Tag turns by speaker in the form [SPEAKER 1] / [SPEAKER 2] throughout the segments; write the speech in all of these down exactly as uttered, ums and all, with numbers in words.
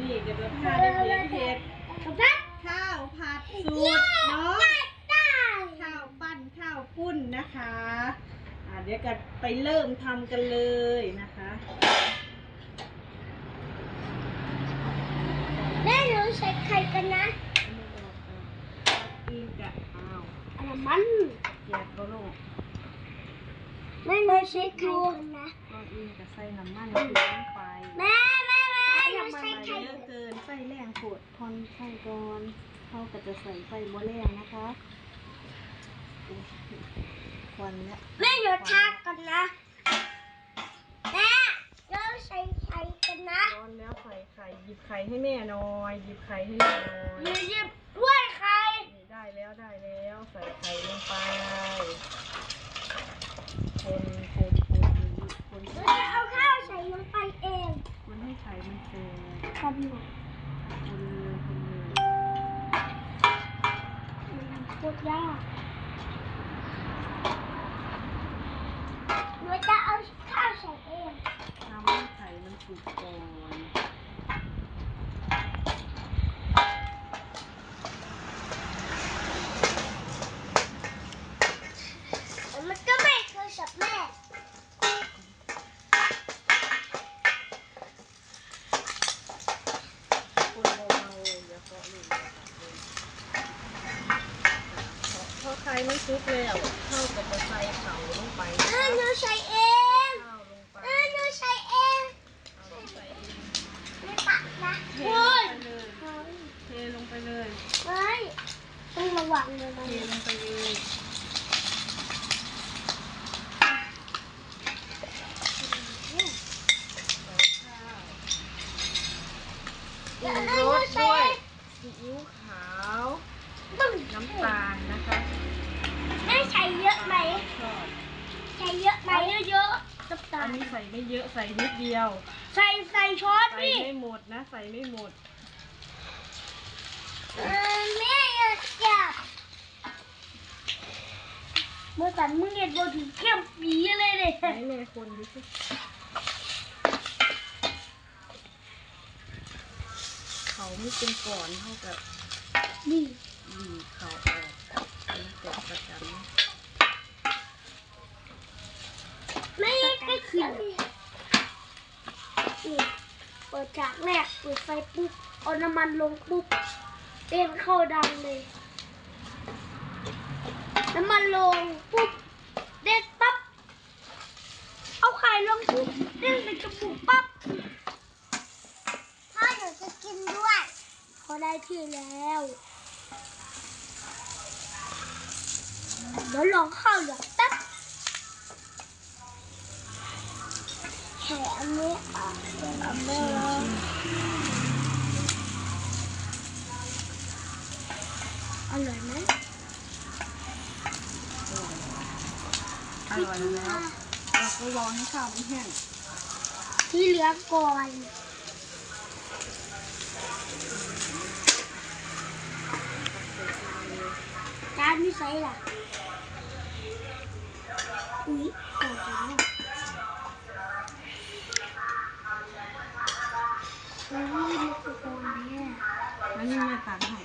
[SPEAKER 1] นี้จะมาพาเด็กๆเฮ็ดข้าวผัดสูตรเนาะข้าวปั้นข้าวปุ้นนะคะอ่าเดี๋ยวกันไปเริ่มทำกันเลยนะคะ
[SPEAKER 2] แม่หนูใส่ไข่กันนะ
[SPEAKER 1] อีกะอ้าว
[SPEAKER 2] อะไรมัน
[SPEAKER 1] แยกก็ลูก
[SPEAKER 2] แม่หนูใส่ไข่กันนะ
[SPEAKER 1] ก็อีกะใส่น้ำมันลงไป
[SPEAKER 2] แม่แม่แม่หนูใส่ไข่
[SPEAKER 1] เยอะเกินใส่แรงโผดทอนไข่ก่อนเขาก็จะใส่ไฟโมแรงนะคะควันแล้ว
[SPEAKER 2] แม่หนูทากันนะแม่เราใส่ไข่กันนะ
[SPEAKER 1] ร้อนแล้วใส่ไข่หยิบไข่ให้แม่หน่อยหยิบไข่ให้แม่หน่อย
[SPEAKER 2] หยิบด้วยไข่
[SPEAKER 1] ได้แล้วได้แล้วใส่ไข่ลงไปคนคนคนคน
[SPEAKER 2] เราจะเอาข้าวใส่ลงไปเอง
[SPEAKER 1] มันให้ไข่มันเต็ม
[SPEAKER 2] คนหมด
[SPEAKER 1] คนเลยคนเลย
[SPEAKER 2] มันโคตรยากเราจะเอาข้าวใส่เอง
[SPEAKER 1] ทำให้ไข่มันสุกก่อน
[SPEAKER 2] มันก็ไม่เคยสับแม่
[SPEAKER 1] คนเบาๆอย่าเคาะลูกพอไข่มันสุกแล้วเข้ากับจะใส่เข่าลงไป
[SPEAKER 2] เออหนูใส่เอง
[SPEAKER 1] ข้าวลงไป
[SPEAKER 2] เออหนูใส่เองไม่ตักนะ
[SPEAKER 1] เทลงไปเลยเทลงไปเลย
[SPEAKER 2] เฮ้ยต้องระวังเลยนะ
[SPEAKER 1] เทลงไปเลยปรุงรสด้วยซีอิ๊วขาวน้ำตาลนะคะ
[SPEAKER 2] ไม่ใส่เยอะไหมใส่เยอะไหมเยอะๆน้ำตาล
[SPEAKER 1] อันนี้ใส่ไม่เยอะใส่นิดเดียว
[SPEAKER 2] ใส่ใส่ช้อน
[SPEAKER 1] ใส่ไม่หมดนะใส่ไม่หมด
[SPEAKER 2] เออแม่อยากจับเมื่อสันมึงเห็นบนถึงเข้มปีเลยเลย
[SPEAKER 1] ให้แม่คนดูสิเขาไม่เป็นก่อนเท่ากับ
[SPEAKER 2] นี่
[SPEAKER 1] ดีเขาออกเป็นเกล็ดประจำ
[SPEAKER 2] ไม่ก็คือนี่เปิดฉากแรกเปิดไฟปุ๊บเอาน้ำมันลงปุ๊บเต้นเข้าดังเลยน้ำมันลงปุ๊บเด็ดปั๊บเอาไข่ลงปุ๊บเด้งในกระปุกปั๊บพ่อหนูจะกินด้วยพอได้ที่แล้วเดี๋ยวลองข้าวเหลืองแป๊บแค่อันนี้อ่ะอันนี้อร่อยไหม
[SPEAKER 1] อร่อยแล้วเราก็รอให้ข้าวมันแห้ง
[SPEAKER 2] ที่เหลือก่อนจานไม่ใส่ล่ะอุ๊ยก่อนแล้วอุ๊ยนี่คือก่อนเนี่ย
[SPEAKER 1] แล้วนี่แม่ตักให้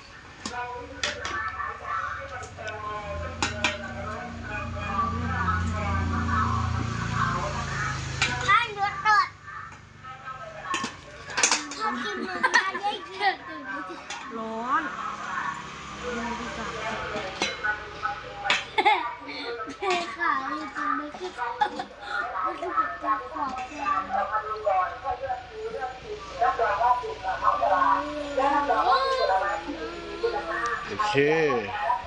[SPEAKER 2] ข้าวเนื้อตดชอบกินเนื้อเยอะๆ
[SPEAKER 1] ร้อนไม่ได้จับ
[SPEAKER 2] แม่ขาอยู่ตรงนี้คือมันจะเป็นจับขอบ
[SPEAKER 3] โอเค